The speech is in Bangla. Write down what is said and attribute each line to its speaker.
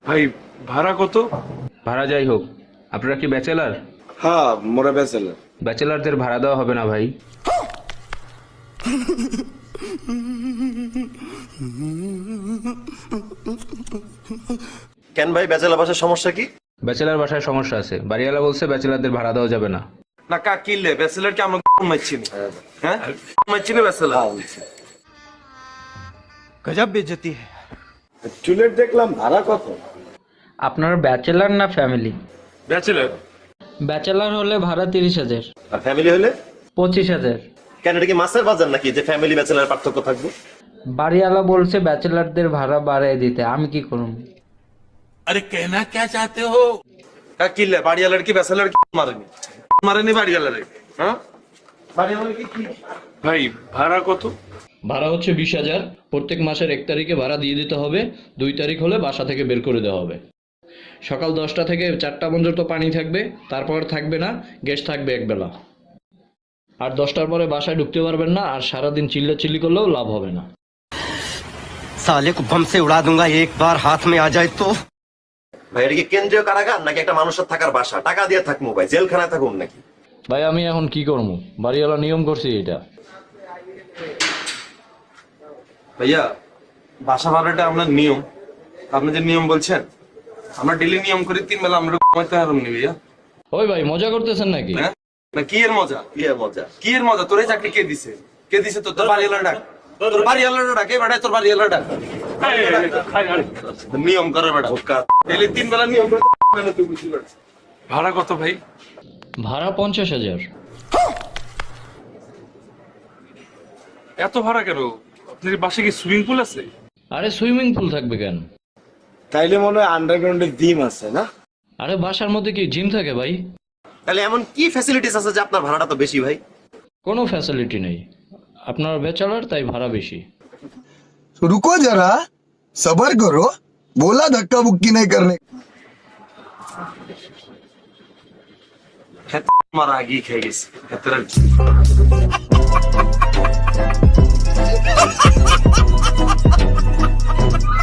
Speaker 1: ভাই ভাড়া কত?
Speaker 2: ভাড়া যাই হোক, আপনারা কি ব্যাচেলার?
Speaker 1: হ্যাঁ মোরা ব্যাচেলার।
Speaker 2: ব্যাচেলারদের ভাড়া দেওয়া হবে না ভাই।
Speaker 3: কেন ভাই, ব্যাচেলর বাসার সমস্যা কি?
Speaker 2: ব্যাচেলার বাসায় সমস্যা আছে, বাড়িওয়ালা বলছে ব্যাচেলারদের ভাড়া দেওয়া যাবে না।
Speaker 1: না কা কিনলে ব্যাচেলার কি আমরা মারছি না? হ্যাঁ মারছি না ব্যাচেলার।
Speaker 4: गजब बेइज्जती है।
Speaker 1: চুলের দেখলাম ভাড়া কত?
Speaker 5: আপনার ব্যাচেলার না ফ্যামিলি?
Speaker 1: ব্যাচেলার।
Speaker 5: ব্যাচেলার হলে ভাড়া 30,000।
Speaker 3: আর ফ্যামিলি হলে?
Speaker 5: 25,000।
Speaker 3: কেন, এটা কি মাছের বাজার নাকি যে ফ্যামিলি ব্যাচেলর পার্থক্য থাকবে?
Speaker 5: বাড়িওয়ালা বলছে ব্যাচেলারদের ভাড়া বাড়ায় দিতে, আমি কি করব?
Speaker 1: কা কিনলে বাড়িওয়ালার কি ব্যাচেলার কি মারেনি? মারেনি বাড়িওয়ালার। হ্যাঁ বাড়িওয়ালার কি ভাই ভাড়া কত?
Speaker 6: ভাড়া হচ্ছে 20,000। প্রত্যেক মাসের 1 তারিখে ভাড়া দিয়ে দিতে হবে। 2 তারিখ হলে বাসা থেকে বের করে দেওয়া হবে। সকাল 10টা থেকে 4টা পর্যন্ত পানি থাকবে, তারপর থাকবে না, গ্যাস থাকবে একবেলা। আর 10টার পরে বাসায় ঢুকতে পারবেন না, আর সারাদিন চিল্লাচিল্লি করলেও লাভ হবে না।
Speaker 4: साले को बम से उड़ा दूंगा एक बार हाथ में आ जाए तो।
Speaker 3: ভাই এটা কি কেন্দ্রীয় কারাগার নাকি একটা মানুষের থাকার বাসা? টাকা দিয়ে থাকবো ভাই, জেলখানায় থাকুন নাকি?
Speaker 6: ভাই আমি এখন কি করবো, বাড়িওয়ালা নিয়ম করছি এটা।
Speaker 1: ভাইয়া বাসা ভাড়াটা আপনার নিয়ম, আপনি যে নিয়ম বলছেন আমরা ডেলি নিয়ম করি 3 বেলা আমরা কমাইতে হারাম নি ভাইয়া।
Speaker 6: ওই ভাই মজা করতেছেন নাকি?
Speaker 1: হ্যাঁ না কি এর মজা?
Speaker 3: কি আর মজা?
Speaker 1: কি এর মজা? তোর এই চাকরি কে দিছে? কে দিছে? তোর বাড়িওয়ালা ডাক, তোর বাড়িওয়ালা ডাক, এই বেটা তোর বাড়িওয়ালা ডাক। নিয়ম করে বেটা ডেলি 3 বেলা নিয়ম করে মানে তুই বুঝতে পারছিস। ভাড়া কত ভাই?
Speaker 6: ভাড়া 50,000।
Speaker 1: এত ভাড়া কেন? আপনার বাসে কি সুইমিং পুল আছে?
Speaker 6: আরে সুইমিং পুল থাকবে কেন?
Speaker 1: তাইলে মনে হয় আন্ডারগ্রাউন্ডে ডিম আছে না?
Speaker 6: আরে বাসার মধ্যে কি জিম থাকে ভাই?
Speaker 3: তাহলে এমন কি ফ্যাসিলিটিস আছে যে আপনার ভাড়াটা তো বেশি ভাই?
Speaker 6: কোনো ফ্যাসিলিটি নেই। আপনার ব্যাচেলার, তাই ভাড়া বেশি।
Speaker 7: रुको जरा, सबर करो, बोला धक्का बुक्की नहीं करने।
Speaker 1: আমার আগেই খেয়ে গেছি।